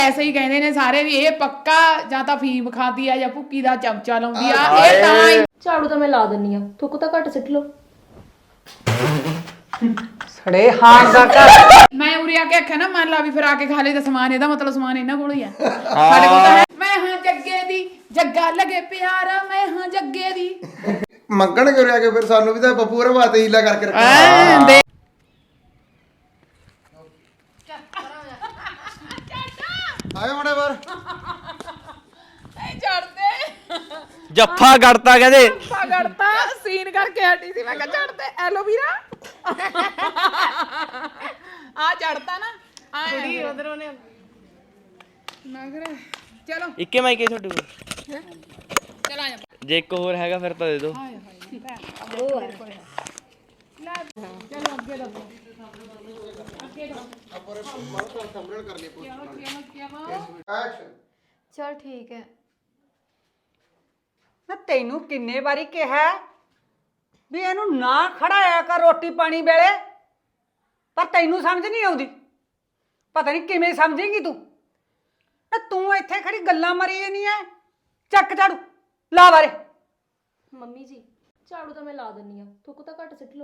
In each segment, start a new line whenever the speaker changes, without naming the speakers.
ऐसे ही कहते ने सारे भी ये पक्का ਜਾਂ ਤਾਂ ਫੀਮ ਖਾਂਦੀ ਆ ਜਾਂ ਭੁੱਕੀ ਦਾ ਚਮਚਾ ਲਾਉਂਦੀ ਆ ਇਹ ਤਾਂ ਹੀ
ਝਾੜੂ ਤਾਂ ਮੈਂ ਲਾ ਦਿੰਨੀ ਆ ਥੁੱਕ ਤਾਂ ਘੱਟ ਸਿੱਟ ਲਓ
ਸੜੇ ਹਾਂ ਦਾ ਘਰ
ਮੈਂ ਉਰੇ ਆ ਕੇ ਆਖਿਆ ਨਾ ਮੰਨ ਲਾ ਵੀ ਫਿਰ ਆ ਕੇ ਖਾ ਲਈ ਤਾਂ ਸਮਾਨ ਇਹਦਾ ਮਤਲਬ ਸਮਾਨ ਇਹਨਾਂ ਕੋਲ ਹੀ ਆ ਸਾਡੇ ਕੋਲ ਤਾਂ ਹੈ ਮੈਂ ਹਾਂ ਜੱਗੇ ਦੀ ਜੱਗਾ ਲਗੇ ਪਿਆਰਾ ਮੈਂ ਹਾਂ ਜੱਗੇ ਦੀ
ਮੰਗਣ ਕਿਉਂ ਰਿਹਾ ਕਿ ਫਿਰ ਸਾਨੂੰ ਵੀ ਤਾਂ ਬੱਬੂ ਹੋਰ ਬਾਤੇ ਹੀਲਾ ਕਰਕੇ ਰੱਖਣਾ
ਦੇ
ਆਏ ਮੜੇ ਬਾਰ
ਨਹੀਂ ਛੱਡਦੇ
ਜੱਫਾ ਗੜਤਾ ਕਹਿੰਦੇ
ਜੱਫਾ ਗੜਤਾ ਸੀਨ ਕਰਕੇ ਹਟੀ ਸੀ ਮੈਂ ਕਿਹਾ ਛੱਡਦੇ ਐਲੋਵੀਰਾ ਆ ਚੜਤਾ ਨਾ ਆਏ ਉਧਰੋਂ ਨੇ ਨਗਰ ਚਲੋ
ਇੱਕੇ ਮਾਈਕੇ ਤੁਹਾਡੇ ਕੋਲ
ਚਲ ਆ ਜਾ
ਜੇ ਇੱਕ ਹੋਰ ਹੈਗਾ ਫਿਰ ਤਾਂ ਦੇ ਦਿਓ
ਚਲੋ ਅੱਗੇ ਦਾ
ਐਕਸ਼ਨ
ਚਲ ਠੀਕ ਹੈ
ਮੈਂ ਤੈਨੂੰ ਕਿੰਨੇ ਵਾਰੀ ਕਿਹਾ ਵੀ ਇਹਨੂੰ ਨਾ ਖੜਾਇਆ ਕਰ ਰੋਟੀ ਪਾਣੀ ਵੇਲੇ ਪਰ ਤੈਨੂੰ ਸਮਝ ਨਹੀਂ ਆਉਂਦੀ ਪਤਾ ਨਹੀਂ ਕਿਵੇਂ ਸਮਝੇਂਗੀ ਤੂੰ ਨਾ ਤੂੰ ਇੱਥੇ ਖੜੀ ਗੱਲਾਂ ਮਾਰੀ ਜਾਨੀ ਐ ਚੱਕ ਝਾੜੂ ਲਾ ਬਾਰੇ
ਮੰਮੀ ਜੀ ਝਾੜੂ ਤਾਂ ਮੈਂ ਲਾ ਦਿੰਨੀ ਆ ਥੁੱਕ ਤਾਂ ਘੱਟ ਸਿੱਟ ਲਓ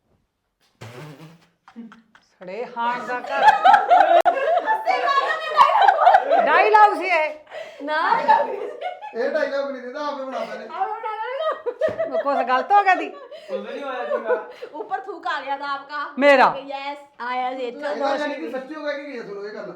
ਸੜੇ ਹਾਂ ਦਾ ਘਰ ਡਾਇਲੌਗ ਸੀ ਇਹ
ਨਾ
ਇਹ ਡਾਇਲੌਗ ਨਹੀਂ ਦਿੰਦਾ ਆਪੇ ਬਣਾਉਂਦਾ ਨੇ
ਕੁਛ ਗਲਤ ਹੋ ਗਿਆ ਦੀ
ऊपर थूक आ गया था आपका
मेरा
यस आया जी
ਇਹਦਾ ਜਾਨੀ ਕਿ ਸੱਚੀ ਹੋ ਗਿਆ ਕਿ ਕੀ ਸੁਣੋ ਇਹ ਗੱਲ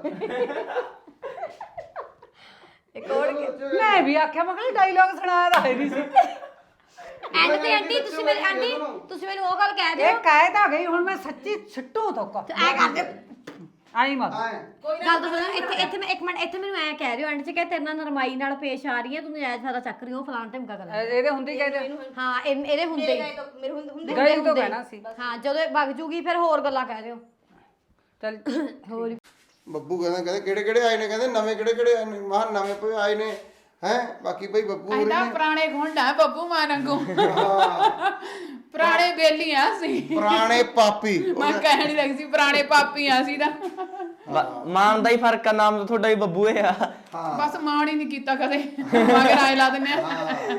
एक और
ਮੈਂ ਵੀ ਆਖਿਆ ਮੈਂ ਕਿਹਾ ਡਾਇਲੌਗ ਸੁਣਾ ਦਾ ਨਹੀਂ ਸੀ
ਐਂਡ ਤੇ ਆਂਟੀ ਤੁਸੀਂ ਮੈਨੂੰ ਉਹ ਗੱਲ ਕਹਿ ਦਿਓ
ਇਹ ਕਹਿ ਤਾਂ ਗਈ ਹੁਣ ਮੈਂ ਸੱਚੀ ਛੱਟੂ ਤੋਕ
ਐ ਕਰ ਦਿਓ
ਆਈ ਮਤ
ਆਏ
ਗੱਲ ਤਾਂ ਸੁਣੋ ਇੱਥੇ ਮੈਂ ਇੱਕ ਮਿੰਟ ਇੱਥੇ ਮੈਨੂੰ ਐ ਕਹਿ ਦਿਓ ਐਂਡ 'ਚ ਕਿ ਤੇਰੇ ਨਾਲ ਨਰਮਾਈ ਨਾਲ ਪੇਸ਼ ਆ ਰਹੀ ਹੈ ਤੂੰ ਨਜਾਇਜ਼ ਫਾਇਦਾ ਚੱਕ ਰਹੀ ਹੋ ਫਲਾਣ ਢਿਮਕਾ ਕਰ
ਇਹਦੇ ਹੁੰਦੇ ਹੀ ਕਹਿੰਦੇ
ਹਾਂ ਇਹਦੇ ਹੁੰਦੇ ਮੇਰੇ ਹੁੰਦੇ
ਗਈ ਤੋਂ ਕਹਿਣਾ ਸੀ
ਹਾਂ ਜਦੋਂ ਵਗ ਜੂਗੀ ਫਿਰ ਹੋਰ ਗੱਲਾਂ ਕਹਿ ਦਿਓ
ਚੱਲ
ਹੋਰ
ਬੱਬੂ ਕਹਿੰਦੇ ਕਿਹੜੇ ਕਿਹੜੇ ਆਏ ਨੇ ਕਹਿੰਦੇ ਨਵੇਂ ਕਿਹੜੇ ਕਿਹੜੇ ਆਏ ਨੇ ਮਹਾਂ ਨਵੇਂ ਪਏ ਆਏ ਨੇ ਹੈ ਬਾਕੀ ਭਾਈ ਬੱਬੂ ਹੋਰੀ
ਇਹਦਾ
ਨੇ
ਪੁਰਾਣੇ ਗੁੰਡਾ ਬੱਬੂ ਮਾਨੰਗੂ ਪੁਰਾਣੇ ਬੇਲੀਆਂ ਸੀ
ਪੁਰਾਣੇ ਪਾਪੀ
ਮੈਂ ਕਹਿਣ ਹੀ ਲੱਗੀ ਸੀ ਪੁਰਾਣੇ ਪਾਪੀਆਂ ਸੀ ਤਾਂ
ਮਾਨ ਦਾ ਹੀ ਫਰਕ ਆ ਨਾਮ ਤਾਂ ਤੁਹਾਡਾ ਹੀ ਬੱਬੂ ਆ
ਬਸ ਮਾਣ ਹੀ ਨਹੀਂ ਕੀਤਾ ਕਦੇ ਮਗਰ ਆਏ ਲਾ ਦਿੰਨੇ ਆ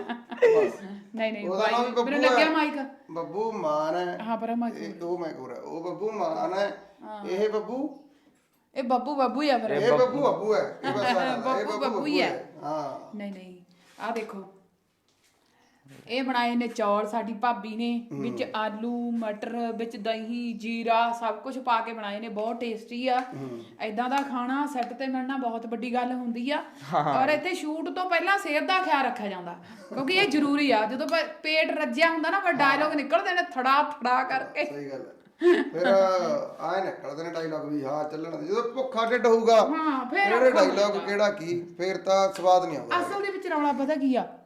ਨਹੀਂ
ਉਹਦਾ ਨਾਮ ਵੀ
ਭਾਈ ਮੈਨੂੰ
ਬੱਬੂ
ਲੱਗਿਆ
ਹੈ।
ਮਾਈਕ
ਬੱਬੂ ਮਾਨ ਹੈ
ਹਾਂ ਪਰ ਮਾਈਕ
ਉਹ ਮੈਂ ਕੋਰਾ ਉਹ ਬੱਬੂ ਮਾਨ ਹੈ ਇਹ ਬੱਬੂ
ਇਹ ਬੱਬੂ ਹੀ ਆ ਫਿਰ
ਇਹ ਬੱਬੂ ਅੱਬੂ ਹੈ ਇਹ ਬਸ ਇਹ
ਬੱਬੂ ਬੱਬੂ ਹੀ ਹੈ
ਹਾਂ
ਨਹੀਂ ਆ ਦੇਖੋ ਇਹ ਬਣਾਏ ਨੇ ਚੌਲ ਸਾਡੀ ਭਾਬੀ ਨੇ ਵਿੱਚ ਆਲੂ ਮਟਰ ਵਿੱਚ ਦਹੀਂ ਜੀਰਾ ਸਭ ਕੁਝ ਪਾ ਕੇ ਬਣਾਏ ਨੇ ਬਹੁਤ ਟੇਸਟੀ ਆ ਐਦਾਂ ਦਾ ਖਾਣਾ ਸੈੱਟ ਤੇ ਮਿਲਣਾ ਬਹੁਤ ਵੱਡੀ ਗੱਲ ਹੁੰਦੀ ਆ ਔਰ ਇੱਥੇ ਸ਼ੂਟ ਤੋਂ ਪਹਿਲਾਂ ਸਿਹਤ ਦਾ ਖਿਆਲ ਰੱਖਿਆ ਜਾਂਦਾ ਕਿਉਂਕਿ ਇਹ ਜ਼ਰੂਰੀ ਆ ਜਦੋਂ ਪੇਟ ਰੱਜਿਆ ਹੁੰਦਾ ਨਾ ਫਿਰ ਡਾਇਲੌਗ ਨਿਕਲਦੇ ਨੇ ਥੜਾ ਥੜਾ ਕਰਕੇ
ਸਹੀ ਗੱਲ ਹੈ ਫਿਰ ਆਏ ਨਿਕਲਦੇ ਨੇ ਡਾਇਲੌਗ ਵੀ ਹਾਂ ਚੱਲਣ ਦੇ ਜਦੋਂ ਭੁੱਖਾ ਢਿੱਡ ਹੋਊਗਾ
ਹਾਂ ਫਿਰ
ਫਿਰ ਡਾਇਲੌਗ ਕਿਹੜਾ ਕੀ ਫਿਰ ਤਾਂ ਸਵਾਦ ਨਹੀਂ ਆਉਂਦਾ
ਅਸਲ ਦੇ ਵਿੱਚ ਰੌਲਾ ਪਤਾ ਕੀ ਆ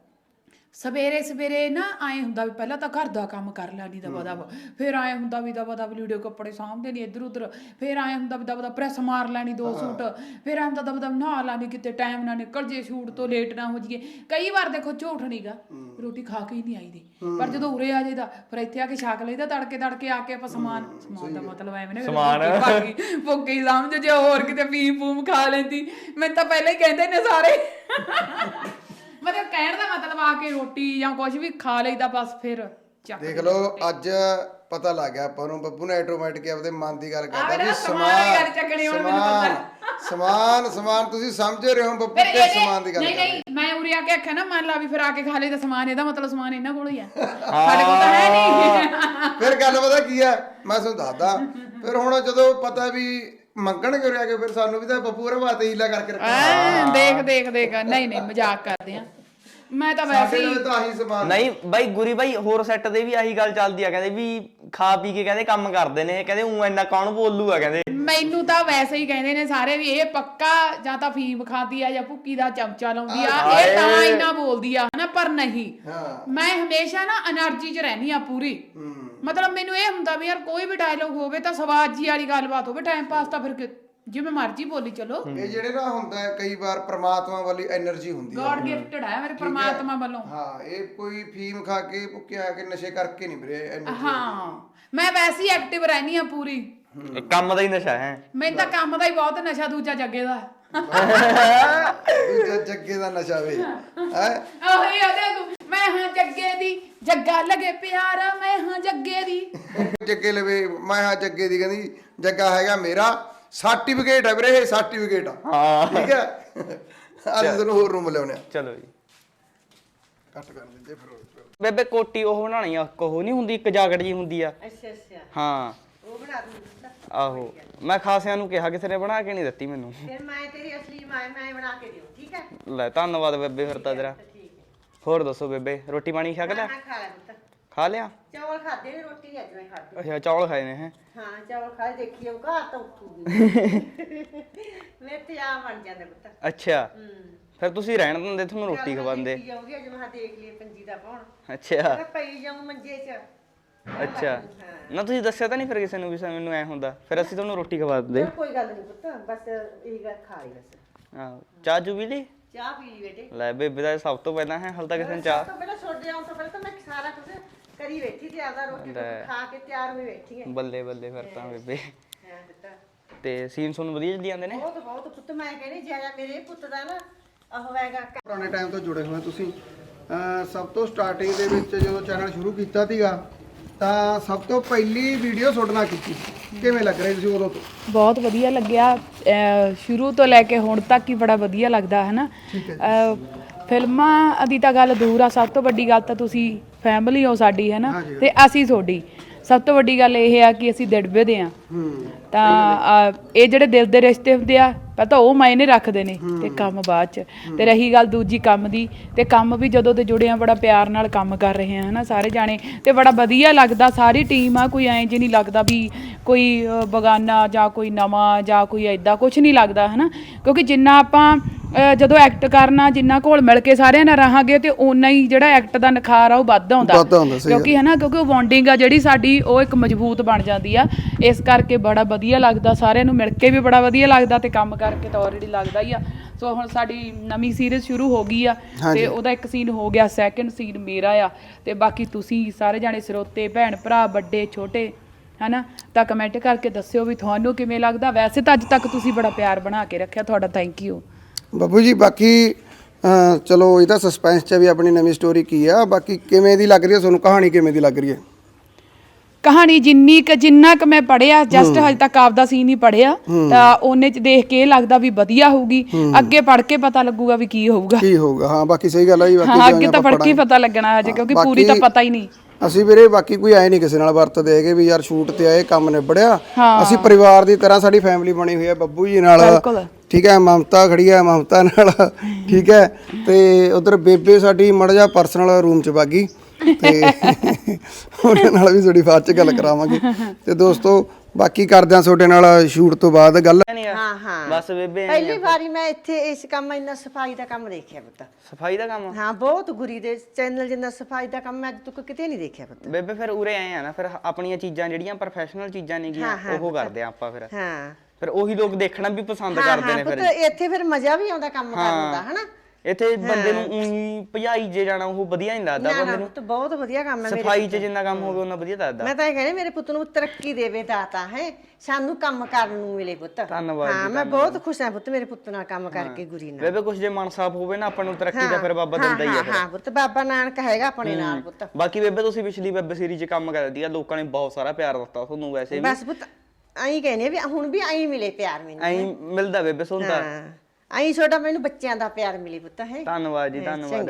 ਸਵੇਰੇ ਨਾ ਆਏ ਹੁੰਦਾ ਵੀ ਪਹਿਲਾਂ ਤਾਂ ਘਰ ਦਾ ਕੰਮ ਕਰ ਲੈਣੀ ਦਵਾ ਦਵਾ ਫਿਰ ਆਏ ਹੁੰਦਾ ਵੀ ਦਵਾ ਦਵਾ ਲੀੜੇ ਕੱਪੜੇ ਸਾਂਭਦੇ ਨਹੀਂ ਇੱਧਰ ਉੱਧਰ ਫਿਰ ਆਏ ਹੁੰਦਾ ਵੀ ਦਵਾ ਦਵਾ ਪ੍ਰੈਸ ਮਾਰ ਲੈਣੀ 2 ਸੂਟ ਫਿਰ ਆਏ ਹੁੰਦਾ ਦਵਾ ਦਵਾ ਨਹਾ ਲੈਣੀ ਕਿਤੇ ਟਾਈਮ ਨਾ ਨਿਕਲ ਜੇ ਸ਼ੂਟ ਤੋਂ ਲੇਟ ਨਾ ਹੋ ਜਾਈਏ ਕਈ ਵਾਰ ਦੇਖੋ ਝੂਠ ਨਹੀਂਗਾ ਰੋਟੀ ਖਾ ਕੇ ਹੀ ਨਹੀਂ ਆਈਦੀ ਪਰ ਜਦੋਂ ਉਰੇ ਆ ਜਾਈਦਾ ਫਿਰ ਇੱਥੇ ਆ ਕੇ ਛਕ ਲਈਦਾ ਤੜਕੇ ਆ ਕੇ ਆਪਾਂ ਸਮਾਨ ਦਾ ਮਤਲਬ ਐਵੇਂ ਨਾ ਸਮਾਨ ਭੁੱਕੀ ਸਮਝ ਜੇ ਹੋਰ ਕਿਤੇ ਪੀ ਪੂਮ ਖਾ ਲੈਂਦੀ ਮੈਨੂੰ ਤਾਂ ਪਹਿਲਾਂ ਹੀ ਕਹਿੰਦੇ ਨੇ ਸਾਰੇ ਮਤਲਬ ਕਹਿਣ ਦਾ ਮਤਲਬ ਆ ਕੇ ਰੋਟੀ ਜਾਂ ਕੁਝ ਵੀ ਖਾ ਲਈਦਾ ਬਸ ਫਿਰ ਚੱਕ
ਦੇਖ ਲਓ ਅੱਜ ਪਤਾ ਲੱਗ ਗਿਆ ਆਪਾਂ ਨੂੰ ਬੱਬੂ ਨੇ ਆਟੋਮੈਟਿਕ ਆਪਦੇ ਮਨ ਦੀ ਗੱਲ ਕਰਦਾ
ਮੇਰਾ
ਵੀ
ਸਮਾਨ ਦੀ ਗੱਲ ਚੱਕਣੀ ਹੁਣ ਮੈਨੂੰ
ਸਮਾਨ ਤੁਸੀਂ ਸਮਝ ਰਹੇ ਹੋ ਬੱਬੂ ਕੇ ਸਮਾਨ ਦੀ ਗੱਲ
ਨਹੀਂ ਮੈਂ ਉਰੇ ਆ ਕੇ ਆਖਿਆ ਨਾ ਮੰਨ ਲਾ ਵੀ ਫਿਰ ਆ ਕੇ ਖਾ ਲਈ ਤਾਂ ਸਮਾਨ ਇਹਦਾ ਮਤਲਬ ਸਮਾਨ ਇਹਨਾਂ ਕੋਲ ਹੀ ਆ ਸਾਡੇ ਕੋਲ ਤਾਂ ਹੈ ਨਹੀਂ
ਫਿਰ ਗੱਲ ਪਤਾ ਕੀ ਆ ਮੈਂ ਤੁਹਾਨੂੰ ਦੱਸਦਾ ਫਿਰ ਹੁਣ ਜਦੋਂ ਪਤਾ ਵੀ ਮੰਗਣ ਕਿਉਂ ਰਿਹਾ ਕਿ ਫਿਰ ਸਾਨੂੰ ਵੀ ਤਾਂ ਬੱਬੂ ਹੋਰ ਬਾਤੇ ਹੀਲਾ ਕਰਕੇ ਰੱਖਣਾ
ਦੇਖ ਨਹੀਂ ਮਜ਼ਾਕ ਕਰਦੇ ਆ ਮੈਂ ਤਾਂ ਵੈਸੇ ਹੀ
ਤਾਂ ਆਹੀ ਸਮਾਨ
ਨਹੀਂ ਬਾਈ ਗੁਰੀ ਬਾਈ ਹੋਰ ਸੈੱਟ ਦੇ ਵੀ ਆਹੀ ਗੱਲ ਚੱਲਦੀ ਆ ਕਹਿੰਦੇ ਵੀ ਖਾ ਪੀ ਕੇ ਕਹਿੰਦੇ ਕੰਮ ਕਰਦੇ ਨੇ ਕਹਿੰਦੇ ਉਹ ਇੰਨਾ ਕੌਣ ਬੋਲੂਗਾ ਕਹਿੰਦੇ
ਮੈਨੂੰ ਤਾਂ ਵੈਸੇ ਹੀ ਕਹਿੰਦੇ ਨੇ ਸਾਰੇ ਵੀ ਇਹ ਪੱਕਾ ਜਾਂ ਤਾਂ ਫੀਮ ਖਾਂਦੀ ਆ ਜਾਂ ਭੁੱਕੀ ਦਾ ਚਮਚਾ ਲਾਉਂਦੀ ਆ ਇਹ ਤਾਂ ਇੰਨਾ ਬੋਲਦੀ ਆ ਨਾ ਪਰ ਨਹੀਂ ਮੈਂ ਹਮੇਸ਼ਾ ਨਾ એનર્ਜੀ 'ਚ ਰਹਿਨੀ ਆ ਪੂਰੀ ਮਤਲਬ ਮੈਨੂੰ ਇਹ ਹੁੰਦਾ ਵੀ ਯਾਰ ਕੋਈ ਵੀ ਡਾਇਲੋਗ ਹੋਵੇ ਤਾਂ ਸਵਾਦ ਜੀ ਵਾਲੀ ਗੱਲਬਾਤ ਹੋਵੇ ਟਾਈਮ ਪਾਸ ਤਾਂ ਫਿਰ ਜਿਵੇਂ ਮਰਜ਼ੀ ਬੋਲੀ ਚਲੋ
ਇਹ ਜਿਹੜੇ ਨਾ ਹੁੰਦਾ ਕਈ ਵਾਰ ਪ੍ਰਮਾਤਮਾ ਵਾਲੀ એનર્ਜੀ ਹੁੰਦੀ ਹੈ
ਗॉड ਗਿਫਟਡ ਹੈ ਮੇਰੇ ਪ੍ਰਮਾਤਮਾ ਵੱਲੋਂ
ਹਾਂ ਇਹ ਕੋਈ ਫੀਮ ਖਾ ਕੇ ਭੁੱਕਿਆ ਕੇ ਨਸ਼ੇ ਕਰਕੇ ਨਹੀਂ ਵੀਰੇ એનર્ਜੀ
ਹਾਂ ਮੈਂ ਵੈਸੇ ਹੀ ਐਕਟਿਵ ਰਹਿਨੀ ਆ ਪੂਰੀ
ਕੰਮ ਦਾ ਹੀ ਨਸ਼ਾ ਹੈ
ਮੈਨੂੰ ਤਾਂ ਕੰਮ ਦਾ ਹੀ ਬਹੁਤ ਨਸ਼ਾ ਦੂਜਾ ਜੱਗੇ ਦਾ
ਦੂਜਾ ਜੱਗੇ ਦਾ ਨਸ਼ਾ ਵੇ ਹੈ
ਆਹੀ ਆ ਦੇਖ ਮੈਂ ਹਾਂ ਜੱਗੇ ਦੀ ਜੱਗਾ ਲਗੇ ਪਿਆਰਾ ਮੈਂ ਹਾਂ ਜੱਗੇ ਦੀ
ਜੱਗੇ ਲਵੇ ਮੈਂ ਹਾਂ ਜੱਗੇ ਦੀ ਕਹਿੰਦੀ ਜੱਗਾ ਹੈਗਾ ਮੇਰਾ ਸਰਟੀਫਿਕੇਟ ਹੈ ਵੀਰੇ ਇਹ ਸਰਟੀਫਿਕੇਟ ਆ
ਹਾਂ
ਠੀਕ ਹੈ ਅੱਜ ਤੈਨੂੰ ਹੋਰ ਰੂਮ ਲਿਆਉਣੇ ਆ
ਚਲੋ ਜੀ
ਕੱਟ ਕਰ ਦਿੰਦੇ ਫਿਰ
ਬੇਬੇ ਕੋਟੀ ਉਹ ਬਣਾਣੀ ਆ ਉਹ ਨਹੀਂ ਹੁੰਦੀ ਇੱਕ ਜਾਕਟ ਜੀ ਹੁੰਦੀ ਆ
ਅੱਛਾ ਅੱਛਾ
ਹਾਂ
ਉਹ ਬਣਾ ਦੂੰ
ਆਹੋ ਮੈਂ ਖਾਸਿਆਂ ਨੂੰ ਕਿਹਾ ਕਿਸੇ ਨੇ ਬਣਾ ਕੇ ਨਹੀਂ ਦਿੱਤੀ ਮੈਨੂੰ
ਫਿਰ ਮੈਂ ਤੇਰੀ ਅਸਲੀ ਮੈਂ ਬਣਾ ਕੇ ਦਿਉ ਠੀਕ ਹੈ
ਲੈ ਧੰਨਵਾਦ ਬੇਬੇ ਫਿਰ ਤਾਂ ਤੇਰਾ
ਠੀਕ ਹੈ
ਹੋਰ ਦੱਸੋ ਬੇਬੇ ਰੋਟੀ ਪਾਣੀ ਛਕ ਲਿਆ
ਹਾਂ ਖਾ ਲੈ ਪੁੱਤ
ਖਾ ਲਿਆ
ਚਾਵਲ ਖਾਦੇ ਨੇ ਰੋਟੀ ਨਹੀਂ ਅੱਜ ਮੈਂ ਖਾਦੀ
ਅੱਛਾ ਚੌਲ ਖਾਏ ਨੇ ਹੈ
ਹਾਂ ਚਾਵਲ ਖਾਏ ਦੇਖੀ ਉਹ ਘਰ ਤਾਂ ਉੱਠੂਗੀ ਮੇਰੇ ਤੇ ਆ ਬਣ ਜਾਂਦਾ ਪੁੱਤ
ਅੱਛਾ ਫਿਰ ਤੁਸੀਂ ਰਹਿਣ ਦਿੰਦੇ ਤੁਹਾਨੂੰ ਰੋਟੀ ਖਵਾਉਂਦੇ
ਜਾਊਗੀ ਅੱਜ ਮੈਂ ਦੇਖ ਲਈ ਪੰਜੀ ਦਾ ਪਾਉਣ
ਅੱਛਾ
ਮੈਂ ਪਈ ਜਾਊਂ ਮੰਜੇ 'ਚ
ਅੱਛਾ ਨਾ ਤੁਸੀਂ ਦੱਸਿਆ ਤਾਂ ਨਹੀਂ ਫਿਰ ਕਿਸੇ ਨੂੰ ਵੀ ਮੈਨੂੰ ਐ ਹੁੰਦਾ ਫਿਰ ਅਸੀਂ ਤੁਹਾਨੂੰ ਰੋਟੀ ਖਵਾ ਦਿੰਦੇ
ਕੋਈ ਗੱਲ ਨਹੀਂ ਪੁੱਤ ਬਸ ਇਹ ਗੱਲ ਖਾ ਲਈ ਬਸ
ਆਹੋ ਚਾਹ ਚੂ ਵੀ ਲਈ
ਚਾਹ ਪੀ ਲਈ ਬੇਟੇ
ਲੈ ਬੇਬੇ ਦਾ ਸਭ ਤੋਂ ਪਹਿਲਾਂ ਹੈ ਹਾਲ ਤਾਂ ਕਿਸੇ ਨੇ ਚਾਹ
ਤੋਂ ਪਹਿਲਾਂ ਛੋੜ ਆਉਂ ਤੋਂ ਪਹਿਲਾਂ ਤਾਂ ਮੈਂ ਸਾਰਾ ਕੁਝ ਕਰੀ ਬੈਠੀ ਤੇ ਆਦਾ ਰੋਟੀ ਖਾ ਕੇ ਤਿਆਰ ਹੋਈ ਬੈਠੀ ਹੈ
ਬੱਲੇ ਬੱਲੇ ਫਿਰ ਤਾਂ ਬੇਬੇ
ਹਾਂ ਪੁੱਤ
ਤੇ ਸੀਨ ਸੁਣ ਵਧੀਆ ਚੱਲੀ ਜਾਂਦੇ ਨੇ
ਬਹੁਤ ਪੁੱਤ ਮੈਂ ਕਹਿੰਦੀ ਜਿਆਦਾ ਮੇਰੇ ਪੁੱਤ ਦਾ ਨਾ ਉਹ ਹੈਗਾ
ਪੁਰਾਣੇ ਟਾਈਮ ਤੋਂ ਜੁੜੇ ਹੋਏ ਤੁਸੀਂ ਸਭ ਤੋਂ ਸਟਾਰਟਿੰਗ ਦੇ ਵਿੱਚ ਜਦੋਂ ਚੈਨਲ ਸ਼ੁਰੂ ਕੀਤਾ ਸੀਗਾ ਤਾਂ ਸਭ ਤੋਂ ਪਹਿਲੀ ਵੀਡੀਓ ਸੁਣਨਾ ਕੀਤੀ ਕਿਵੇਂ ਲੱਗ ਰਹੀ ਤੁਸੀਂ ਉਦੋਂ ਤੋਂ
ਬਹੁਤ ਵਧੀਆ ਲੱਗਿਆ ਸ਼ੁਰੂ ਤੋਂ ਲੈ ਕੇ ਹੁਣ ਤੱਕ ਹੀ ਬੜਾ ਵਧੀਆ ਲੱਗਦਾ ਹੈ ਨਾ ਫਿਲਮਾਂ ਦੀ ਤਾਂ ਗੱਲ ਦੂਰ ਆ ਸਭ ਤੋਂ ਵੱਡੀ ਗੱਲ ਤਾਂ ਤੁਸੀਂ ਫੈਮਿਲੀ ਹੋ ਸਾਡੀ ਹੈ ਨਾ ਤੇ ਅਸੀਂ ਤੁਹਾਡੀ ਸਭ ਤੋਂ ਵੱਡੀ ਗੱਲ ਇਹ ਆ ਕਿ ਅਸੀਂ ਦਿੜਬੇ ਦੇ ਆ ਤਾਂ ਇਹ ਜਿਹੜੇ ਦਿਲ ਦੇ ਰਿਸ਼ਤੇ ਹੁੰਦੇ ਆ ਪਤਾ ਉਹ ਮਾਇਨੇ ਰੱਖਦੇ ਨੇ ਤੇ ਕੰਮ ਬਾਅਦ ਚ ਤੇ ਰਹੀ ਗੱਲ ਦੂਜੀ ਕੰਮ ਦੀ ਤੇ ਕੰਮ ਵੀ ਜਦੋਂ ਤੇ ਜੁੜੇ ਆ ਬੜਾ ਪਿਆਰ ਨਾਲ ਕੰਮ ਕਰ ਰਹੇ ਆ ਹਨਾ ਸਾਰੇ ਜਾਣੇ ਤੇ ਬੜਾ ਵਧੀਆ ਲੱਗਦਾ ਸਾਰੀ ਟੀਮ ਆ ਕੋਈ ਐਂ ਜੇ ਨਹੀਂ ਲੱਗਦਾ ਵੀ ਕੋਈ ਬਗਾਨਾ ਜਾਂ ਕੋਈ ਨਵਾਂ ਜਾਂ ਕੋਈ ਐਦਾਂ ਕੁਝ ਨਹੀਂ ਲੱਗਦਾ ਹਨਾ ਕਿਉਂਕਿ ਜਿੰਨਾ ਆਪਾਂ ਜਦੋਂ ਐਕਟ ਕਰਨਾ ਜਿੰਨਾ ਘੋਲ ਮਿਲ ਕੇ ਸਾਰਿਆਂ ਨਾਲ ਰਹਾਂਗੇ ਤੇ ਓਨਾ ਹੀ ਜਿਹੜਾ ਐਕਟ ਦਾ ਨਿਖਾਰ ਆ ਉਹ ਵੱਧ ਆਉਂਦਾ ਕਿਉਂਕਿ ਹਨਾ ਕਿਉਂਕਿ ਉਹ ਬੌਂਡਿੰਗ ਆ ਜਿਹੜੀ ਸਾਡੀ ਉਹ ਇੱਕ ਮਜ਼ਬੂਤ ਬਣ ਜਾਂਦੀ ਆ ਇਸ ਕਰਕੇ ਬੜਾ ਵਧੀਆ ਲੱਗਦਾ ਸਾਰਿਆਂ ਨੂੰ ਮਿਲ ਕੇ ਵੀ ਬੜਾ ਵਧੀਆ ਲੱਗਦਾ ਤੇ ਕੰਮ ਕਰਕੇ ਤਾਂ ਆਲਰੇਡੀ ਲੱਗਦਾ ਹੀ ਆ ਸੋ ਹੁਣ ਸਾਡੀ ਨਵੀਂ ਸੀਰੀਜ਼ ਸ਼ੁਰੂ ਹੋ ਗਈ ਆ ਤੇ ਉਹਦਾ ਇੱਕ ਸੀਨ ਹੋ ਗਿਆ ਸੈਕਿੰਡ ਸੀਨ ਮੇਰਾ ਆ ਤੇ ਬਾਕੀ ਤੁਸੀਂ ਸਾਰੇ ਜਾਣੇ ਸਰੋਤੇ ਭੈਣ ਭਰਾ ਵੱਡੇ ਛੋਟੇ ਹਨਾ ਤਾਂ ਕਮੈਂਟ ਕਰਕੇ ਦੱਸਿਓ ਵੀ ਤੁਹਾਨੂੰ ਕਿਵੇਂ ਲੱਗਦਾ ਵੈਸੇ ਤਾਂ ਅੱਜ ਤੱਕ ਤੁਸੀਂ ਬੜਾ ਪਿਆਰ ਬਣਾ ਕੇ ਰੱਖਿਆ ਤੁਹਾਡਾ ਥੈਂਕ ਯੂ
ਬੱਬੂ ਜੀ ਬਾਕੀ ਚਲੋ ਇਹ ਤਾਂ ਸਸਪੈਂਸ 'ਚ ਵੀ ਆਪਣੀ ਨਵੀਂ ਸਟੋਰੀ ਕੀ ਆ ਬਾਕੀ ਕਿਵੇਂ ਦੀ ਲੱਗ ਰਹੀ ਹੈ ਤੁਹਾਨੂੰ ਕਹਾਣੀ ਕਿਵੇਂ ਦੀ ਲੱਗ ਰਹੀ ਹੈ
ਕਹਾਣੀ ਜਿੰਨਾ ਕ ਮੈਂ ਪੜਿਆ ਜਸਟ ਹਜੇ ਤੱਕ ਆਪਦਾ ਸੀਨ ਹੀ ਪੜਿਆ ਤਾਂ ਉਹਨੇ ਚ ਦੇਖ ਕੇ ਇਹ ਲੱਗਦਾ ਵੀ ਵਧੀਆ ਹੋਊਗੀ ਅੱਗੇ ਪੜ ਕੇ ਪਤਾ ਲੱਗੂਗਾ ਵੀ ਕੀ ਹੋਊਗਾ
ਹਾਂ ਬਾਕੀ ਸਹੀ ਗੱਲ ਆ ਜੀ
ਹਾਂ ਅੱਗੇ ਤਾਂ ਪੜ ਕੇ ਪਤਾ ਲੱਗਣਾ ਹਜੇ ਕਿਉਂਕਿ ਪੂਰੀ ਤਾਂ ਪਤਾ ਹੀ ਨਹੀਂ
ਅਸੀਂ ਵੀਰੇ ਬਾਕੀ ਕੋਈ ਆਏ ਨਹੀਂ ਕਿਸੇ ਨਾਲ ਵਰਤਦੇ ਹੈਗੇ ਵੀ ਯਾਰ ਸ਼ੂਟ ਤੇ ਆਏ ਕੰਮ ਨਿਬੜਿਆ ਅਸੀਂ ਪਰਿਵਾਰ ਦੀ ਤਰ੍ਹਾਂ ਸਾਡੀ ਫੈਮਿਲੀ ਬਣੀ ਹੋਈ ਹੈ ਬੱਬੂ ਜੀ ਨਾਲ ਠੀਕ ਹੈ ਮਮਤਾ ਖੜੀ ਹੈ ਮਮਤਾ ਨਾਲ ਠੀਕ ਹੈ ਤੇ ਉਧਰ ਬੇਬੇ ਸਾਡੀ ਮੜ ਜਾ ਪਰਸਨਲ ਰੂਮ 'ਚ ਵਾਗੀ ਤੇ ਉਹਨਾਂ ਨਾਲ ਵੀ ਥੋੜੀ ਬਾਅਦ 'ਚ ਗੱਲ ਕਰਾਵਾਂਗੇ ਤੇ ਦੋਸਤੋ ਬਾਕੀ ਕਰਦੇ ਆ ਤੁਹਾਡੇ ਨਾਲ ਸ਼ੂਟ ਤੋਂ ਬਾਅਦ ਗੱਲ
ਹਾਂ ਹਾਂ
ਬਸ ਬੇਬੇ
ਪਹਿਲੀ ਵਾਰੀ ਮੈਂ ਇੱਥੇ ਇਸ ਕੰਮ ਇੰਨਾ ਸਫਾਈ ਦਾ ਕੰਮ ਦੇਖਿਆ ਪੁੱਤ
ਸਫਾਈ ਦਾ ਕੰਮ
ਹਾਂ ਬਹੁਤ ਗੁਰੀ ਦੇ ਚੈਨਲ ਜਿੰਨਾ ਸਫਾਈ ਦਾ ਕੰਮ ਮੈਂ ਅੱਜ ਤੱਕ ਕਿਤੇ ਨਹੀਂ ਦੇਖਿਆ ਪੁੱਤ
ਬੇਬੇ ਫਿਰ ਉਰੇ ਆਏ ਆ ਨਾ ਫਿਰ ਆਪਣੀਆਂ ਚੀਜ਼ਾਂ ਜਿਹੜੀਆਂ ਪ੍ਰੋਫੈਸ਼ਨਲ ਚੀਜ਼ਾਂ ਨੇਗੀਆਂ ਉਹ ਕਰਦੇ ਆ ਆਪਾਂ ਫਿਰ ਉਹੀ ਲੋਕ ਦੇਖਣਾ ਵੀ ਪਸੰਦ ਕਰਦੇ ਨੇ ਫਿਰ
ਪੁੱਤ ਇੱਥੇ ਫਿਰ ਮਜ਼ਾ ਵੀ ਆਉਂਦਾ ਕੰਮ ਕਰਨ ਦਾ ਹਨਾ
ਇੱਥੇ ਬੰਦੇ ਨੂੰ ਉਹੀ ਭਜਾਈ ਜੇ ਜਾਣਾ ਉਹ ਵਧੀਆ ਨਹੀਂ ਲੱਗਦਾ ਬੰਦੇ ਨੂੰ
ਪੁੱਤ ਬਹੁਤ ਵਧੀਆ ਕੰਮ ਹੈ
ਸਫਾਈ 'ਚ ਜਿੰਨਾ ਕੰਮ ਹੋਵੇ ਉਹਨਾਂ ਵਧੀਆ ਲੱਗਦਾ
ਮੈਂ ਤਾਂ ਇਹ ਕਹਿੰਦੀ ਮੇਰੇ ਪੁੱਤ ਨੂੰ ਤਰੱਕੀ ਦੇਵੇ ਦਾਤਾ ਹੈ ਸਾਨੂੰ ਕੰਮ ਕਰਨ ਨੂੰ ਮਿਲੇ ਪੁੱਤ
ਧੰਨਵਾਦ
ਹਾਂ ਮੈਂ ਬਹੁਤ ਖੁਸ਼ ਹਾਂ ਪੁੱਤ ਮੇਰੇ ਪੁੱਤ ਨਾਲ ਕੰਮ ਕਰਕੇ ਗੁਰੀ ਨਾਲ
ਬੇਬੇ ਕੁਝ ਜੇ ਮਨ ਸਾਫ ਹੋਵੇ ਨਾ ਆਪਾਂ ਨੂੰ ਤਰੱਕੀ ਦਾ ਫਿਰ ਬਾਬਾ ਦਿੰਦਾ ਹੀ ਆ ਫਿਰ
ਹਾਂ ਪੁੱਤ ਬਾਬਾ ਨਾਨਕ ਹੈਗਾ ਆਪਣੇ ਨਾਲ ਪੁੱਤ
ਬਾਕੀ ਬੇਬੇ ਤੁਸੀਂ ਪਿਛਲੀ ਵੈਬ ਸੀਰੀਜ਼ 'ਚ ਕੰਮ ਕਰਦੀ ਆ ਲੋਕਾਂ ਨੇ ਬਹੁਤ ਸਾਰਾ ਪਿਆਰ ਦਿੱਤਾ ਤੁਹਾਨੂੰ ਵੈਸੇ ਵੀ
ਬਸ ਪੁੱਤ ਐਂ ਕਹਿੰਦੇ ਵੀ ਹੁਣ ਵੀ ਐਂ ਮਿਲੇ ਪਿਆਰ ਮੈਨੂੰ
ਐਂ ਮਿਲਦਾ ਬੇਬੇ ਸੁਣਦਾ
ਐਂ ਛੋਟਾ ਮੈਨੂੰ ਬੱਚਿਆਂ ਦਾ ਪਿਆਰ ਮਿਲੇ ਪੁੱਤ ਹੈ
ਧੰਨਵਾਦ ਜੀ ਧੰਨਵਾਦ